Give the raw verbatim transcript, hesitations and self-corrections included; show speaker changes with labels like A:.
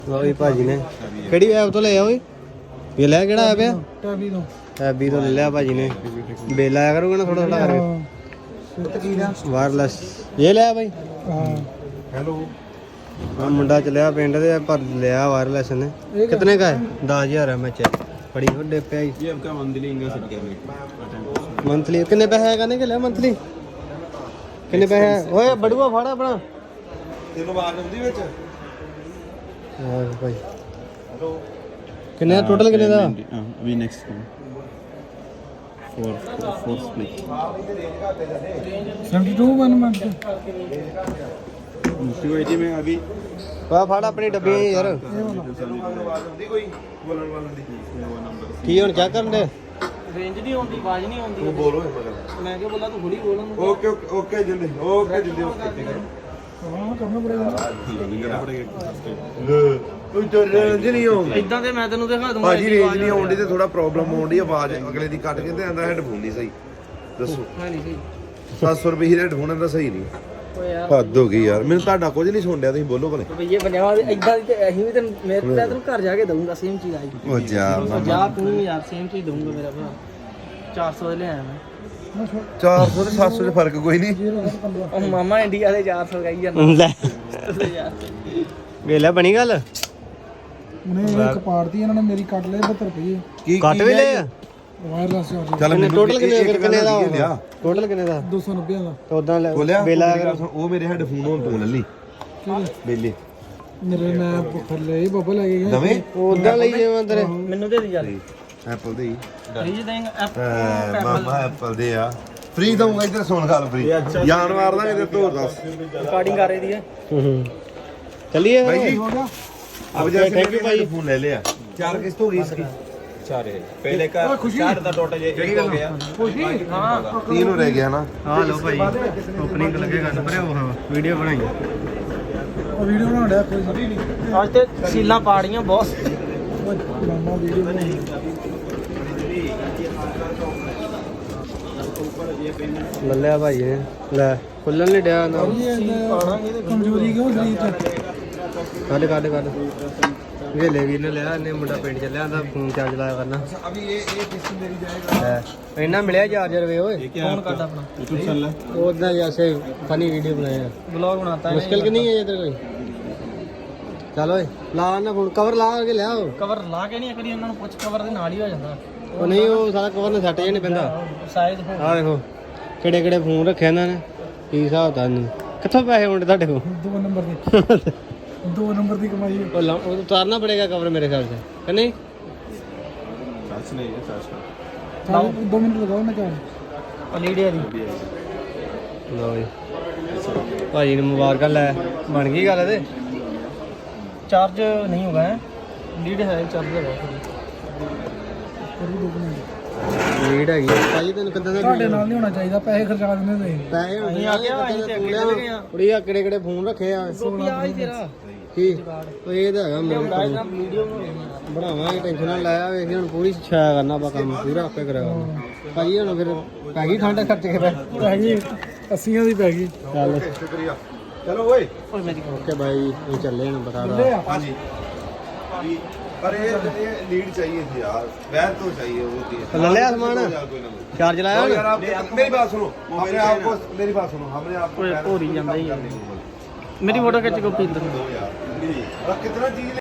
A: ਲਓ ਭਾਜੀ ਨੇ ਕਿਹੜੀ ਐਪ ਤੋਂ ਲਿਆ ਓਏ ਇਹ ਲੈ ਕਿਹੜਾ ਐਪ ਆ
B: ਟੈਬੀ ਤੋਂ
A: ਟੈਬੀ ਤੋਂ ਲੈ ਲਿਆ ਭਾਜੀ ਨੇ ਬਿੱਲ ਆਇਆ ਕਰੂਗਾ ਨਾ ਥੋੜਾ ਥੋੜਾ ਕਰਕੇ ਵਾਇਰਲੈਸ ਇਹ ਲਿਆ ਭਾਈ
B: ਹਾਂ
C: ਹੈਲੋ
A: ਆ ਮੁੰਡਾ ਚਲਿਆ ਪਿੰਡ ਦੇ ਪਰ ਲਿਆ ਵਾਇਰਲੈਸ ਨੇ ਕਿਤਨੇ का है दस हज़ार है मैं चेक बड़ी ਵੱਡੇ ਪਿਆ ਜੀ
C: ये आपका मंथली इनका सेट किया
A: ਮੰਥਲੀ ਕਿੰਨੇ ਪੈਸੇ ਕਰਨੇ ਕਿ ਲਿਆ ਮੰਥਲੀ ਕਿੰਨੇ ਪੈਸੇ ਓਏ ਬੜੂਆ ਫੜ ਆਪਣਾ
C: ਤੈਨੂੰ ਆਵਾਜ਼ ਆਉਂਦੀ ਵਿੱਚ
A: ਹਾਂ ਭਾਈ ਕਿੰਨੇ ਟੋਟਲ ਕਿੰਨੇ ਦਾ
C: ਵੀ ਨੈਕਸਟ फोर फोर स्प्लिट
B: बहत्तर वन मंथ
C: टू एटी में अभी
A: ਵਾ ਫੜ ਆਪਣੀ ਡੱਬੀ ਯਾਰ
C: ਆਉਂਦੀ ਕੋਈ ਬੋਲਣ ਵਾਲਾ ਦੀ
A: ਕੀ ਹੁਣ ਚੈੱਕ ਕਰਨ ਦੇ
D: ਰੇਂਜ ਨਹੀਂ ਆਉਂਦੀ ਆਵਾਜ਼ ਨਹੀਂ ਆਉਂਦੀ
C: ਤੂੰ ਬੋਲੋ ਮਗਰ
D: ਮੈਂ ਕਿਹਾ ਬੋਲਾ ਤੂੰ ਥੋੜੀ ਬੋਲਣ
C: ਓਕੇ ਓਕੇ ਓਕੇ ਜਿੰਦੇ ਓਕੇ ਜਿੰਦੇ ਓਕੇ
B: हाँ करना पड़ेगा
C: ਕੋਈ ਰੇਂਜ ਨਹੀਂ ਆਉਂਦੀ
D: ਇਦਾਂ ਤੇ ਮੈਂ ਤੈਨੂੰ ਦਿਖਾ ਦੂੰਗਾ
C: ਭਾਜੀ ਰੇਂਜ ਨਹੀਂ ਆਉਂਦੀ ਤੇ ਥੋੜਾ ਪ੍ਰੋਬਲਮ ਆਉਂਦੀ ਆਵਾਜ਼ ਅਗਲੇ ਦੀ ਕੱਟ ਕੇ ਤੇ ਆਂਦਾ ਹੈਡਫੋਨ ਨਹੀਂ ਸਹੀ ਦੱਸੋ
D: ਹਾਂ ਨਹੀਂ ਸਹੀ
C: ਸੱਤ ਸੌ ਰੁਪਏ ਹੀ ਹੈਡਫੋਨ ਦਾ ਸਹੀ ਨਹੀਂ
D: ਓਏ ਯਾਰ
C: ਹੱਦ ਹੋ ਗਈ ਯਾਰ ਮੈਨੂੰ ਤੁਹਾਡਾ ਕੁਝ ਨਹੀਂ ਸੁਣ ਰਿਹਾ ਤੁਸੀਂ ਬੋਲੋ ਭਲੇ
D: ਭਈਏ ਪੰਜਾਹ ਦੇ ਇਦਾਂ ਦੀ ਤੇ ਅਸੀਂ ਵੀ ਤੈਨੂੰ ਮੇਰੇ ਤੇ ਤੈਨੂੰ ਘਰ ਜਾ ਕੇ ਦਊਂਗਾ ਸੇਮ ਚੀਜ਼ ਆਈ
C: ਉਹ ਜਾ
D: ਜਾ ਤੂੰ ਯਾਰ ਸੇਮ ਚੀਜ਼ ਦਊਂਗਾ ਮੇਰਾ ਭਰਾ ਚਾਰ ਸੌ ਦੇ ਲਿਆਇਆ ਮੈਂ
C: ਚਾਰ ਸੌ ਤੇ ਸੱਤ ਸੌ ਚ ਫਰਕ ਕੋਈ ਨਹੀਂ
D: ਉਹ ਮਾਮਾ ਇੰਡੀਆ ਦੇ ਚਾਰ ਸੌ ਗਾਈ ਜਾਂਦਾ
A: ਲੈ
D: ਯਾਰ
A: ਵੇਲਾ ਬਣੀ ਗੱਲ
B: उन्हें एक पाड़ती इन्होंने मेरी काट ले बहत्तर रुपये
C: ਕੀ
A: ਕੱਟ ਵੀ ਲਏ ਆ
B: वायरलेस चार्ज
C: ਚੱਲ
A: ਕਿੰਨੇ ਟੋਟਲ ਕਿੰਨੇ ਫਿਰ ਕਿੰਨੇ ਦਾ
C: ਲਿਆ
A: ਟੋਟਲ ਕਿੰਨੇ ਦਾ
B: दो सौ नब्बे का
A: ਤਾਂ ਉਦਾਂ
C: ਬੋਲਿਆ
A: ਬਿੱਲ ਆਇਆ
C: ਮੇਰੀ ਗੱਲ ਸੁਣ, ਉਹ ਮੇਰੇ ਹੈਡਫੋਨ ਹੁਣ ਤੂੰ ਲੱਲੀ ਬੇਲੇ
B: मेरे मैं थल्ले बबल लगे गए
C: ਨਵੇਂ
A: ਉਦਾਂ ਲਈ ਜਾਵਾਂ ਤੇਰੇ
D: ਮੈਨੂੰ ਦੇ ਦੀ ਯਾਰ
C: ਐਪਲ ਦੇ ਹੀ
D: ਫ੍ਰੀਜ ਦੇਂਗਾ
C: ਐ ਮਾਮਾ ਐਪਲ ਦੇ ਆ ਫ੍ਰੀ ਦਊਂਗਾ ਇੱਧਰ ਸੁਣ ਗੱਲ ਫ੍ਰੀ ਜਾਨ ਮਾਰ ਦਾਂਗੇ ਤੇ ਤੂੰ ਦੱਸ
D: ਰਿਕਾਰਡਿੰਗ ਕਰ ਰਹੀ ਦੀ ਹੈ
A: ਹੂੰ ਚੱਲੀਏ
C: ਭਾਈ ਜੀ
B: हो गया
C: अब जैसे थैंक यू भाई फोन ले लिया चार किस्त होगी इसकी
E: चार है पहले का चार था टोटल ये एक हो गया
C: तीन हो रह गया ना
A: ਆ ਲਓ ਭਾਈ ਓਪਨਿੰਗ ਲੱਗੇਗਾ ਨਾ ਪਰ ਉਹ ਵੀਡੀਓ ਬਣਾਈ
B: और वीडियो बना रहा कोई सभी नहीं
D: ਅੱਜ ਤੇ ਸੀਲਾਂ ਪਾੜੀਆਂ ਬਹੁਤ
B: मामा वीडियो बनाई
A: ਲੱਲਿਆ ਭਾਈ ਨੇ ਲੈ ਖੁੱਲਣ ਨਹੀਂ ਡਿਆ ਨਾ
B: ये कमजोरी क्यों शरीर
A: ਕੱਢ ਕੱਢ ਕੱਢ ਵੇਲੇ ਵੀਰ ਨੇ ਲਿਆ ਇਹਨੇ ਮੁੰਡਾ ਪਿੰਡ ਚੱਲਿਆ ਆਂਦਾ ਫੋਨ ਚਾਰਜ ਲਾਇਆ ਕਰਨਾ
C: अभी ये ये किस्त मेरी जाएगा
A: ਲੈ ਇਹਨਾਂ ਮਿਲਿਆ ਚਾਰਜਰ ਵੇ ਓਏ
D: ਫੋਨ ਕਰਦਾ ਆਪਣਾ
C: यूट्यूब चल रहा है
A: ਉਦਾਂ ਜੈਸੇ ਫਨੀ ਵੀਡੀਓ ਬਣਾਇਆ
D: ब्लॉग बनाता है
A: ਮੁਸ਼ਕਿਲ ਕਿ ਨਹੀਂ ਹੈ ਇਧਰ ਕੋਈ ਚੱਲ ਓਏ ਲਾ ਨਾ ਫੋਨ ਕਵਰ ਲਾ ਕੇ ਲਿਆ ਉਹ
D: ਕਵਰ ਲਾ ਕੇ ਨਹੀਂ ਕਰੀ ਉਹਨਾਂ ਨੂੰ ਪੁੱਛ ਕਵਰ ਦੇ ਨਾਲ ਹੀ ਹੋ ਜਾਂਦਾ
A: ਉਹ ਨਹੀਂ ਉਹ ਸਾਰਾ ਕਵਰ ਨਾਲ ਸੱਟ ਜੇ ਨਹੀਂ ਪੈਂਦਾ
D: ਸਾਈਜ਼ ਹੋ
A: ਆਹ ਦੇਖੋ ਕਿਹੜੇ ਕਿਹੜੇ ਫੋਨ ਰੱਖਿਆ ਇਹਨਾਂ ਨੇ ਕੀ ਹਿਸਾਬ ਦਾ ਨਹੀਂ ਕਿੱਥੋਂ ਪੈਸੇ ਹੁੰਦੇ ਤੁਹਾਡੇ ਕੋਲ
B: दो नंबर की दो नंबर की कमाई है
A: ਉਹ ਲਾ- ਉਹ ਉਤਾਰਨਾ ਪੜੇਗਾ ਕਵਰ ਮੇਰੇ ਖਿਆਲ से कि नहीं
C: चार्ज नहीं है चार्ज का
B: चार- दो मिनट लगाओ ना चार्ज
D: ਲੀਡੀਆ ਦੀ
A: ਲਓ ਜੀ ਭਾਜੀ ਨੂੰ ਮੁਬਾਰਕਾਂ ਲੈ ਬਣ ਗਈ ਗੱਲ ਇਹਦੇ
D: ਚਾਰਜ ਨਹੀਂ ਹੋਗਾ ਹੈ ਲੀਡ ਹੈ ਚਾਰਜ ਲਗਾ
B: फिर भी दो मिनट
A: ਲੀਡ ਹੈਗੀ ਆ। ਭਾਜੀ ਤੈਨੂੰ ਕਿੱਦਾਂ ਦਾ
B: ਤੁਹਾਡੇ ਨਾਲ ਨਹੀਂ ਹੋਣਾ ਚਾਹੀਦਾ ਪੈਸੇ ਖਰਚਾ ਦਿੰਦੇ ਤੁਸੀਂ
A: ਪੈਸੇ ਹੁੰਦੇ
D: ਅਸੀਂ ਆ ਗਿਆ, ਅਸੀਂ ਤੇ ਅੱਗੇ ਚੱਲ ਗਏ ਆ।
A: ਕੁੜੀਆ ਕਿਹੜੇ ਕਿਹੜੇ ਫੋਨ ਰੱਖੇ ਆ
D: ਗੋਪੀ ਆ ਹੀ ਤੇਰਾ
A: ਕੀ ਉਹ ਇਹ ਤਾਂ ਹੈਗਾ ਮੇਰੇ ਕੋਲ
D: ਇਹਦਾ ਵੀਡੀਓ ਬਣਾਉਣੀ
A: ਬਣਾਵਾਂਗੇ ਟੈਨਸ਼ਨ ਨਾ ਲਾਇਆ ਵੇਖ ਹੁਣ ਪੂਰੀ ਛਾਇਆ ਕਰਨਾ ਆਪਾਂ ਕੰਮ ਪੂਰਾ ਆਪੇ ਕਰਿਆ ਭਾਜੀ ਹੁਣ ਫਿਰ ਪੈ ਗਈ ਠੰਡ ਖਰਚ ਕੇ ਪੈ
B: ਪੈ ਗਈ ਅੱਸੀਆਂ ਦੀ ਪੈ ਗਈ
A: ਚੱਲ
C: शुक्रिया चलो ओए
D: ਓਏ ਮੇਰੀ
A: ਓਕੇ ਬਾਈ ਇਹ ਚੱਲੇ ਨੇ ਬਤਾ
B: ਲੈ
A: ਦਾ
B: ਆ
C: हाँ जी पर ये ये लीड चाहिए थी यार वैर तो चाहिए वो थी
A: ले लिया सामान?
C: यार कोई ना कोई।
A: ਚਾਰਜ ਲਾਇਆ
C: और
A: ਹੁਣ
C: यार आप मेरी बात सुनो हमने आपको मेरी बात सुनो हमने आपको
D: ओए,
C: पहले
D: भोरी ਜਾਂਦਾ ही है।
C: करने को बोला।
D: ਮੇਰੀ ਫੋਟੋ ਖਿੱਚ ਗੋਪੀ ਇੰਦਰ
C: दो यार और कितना चीज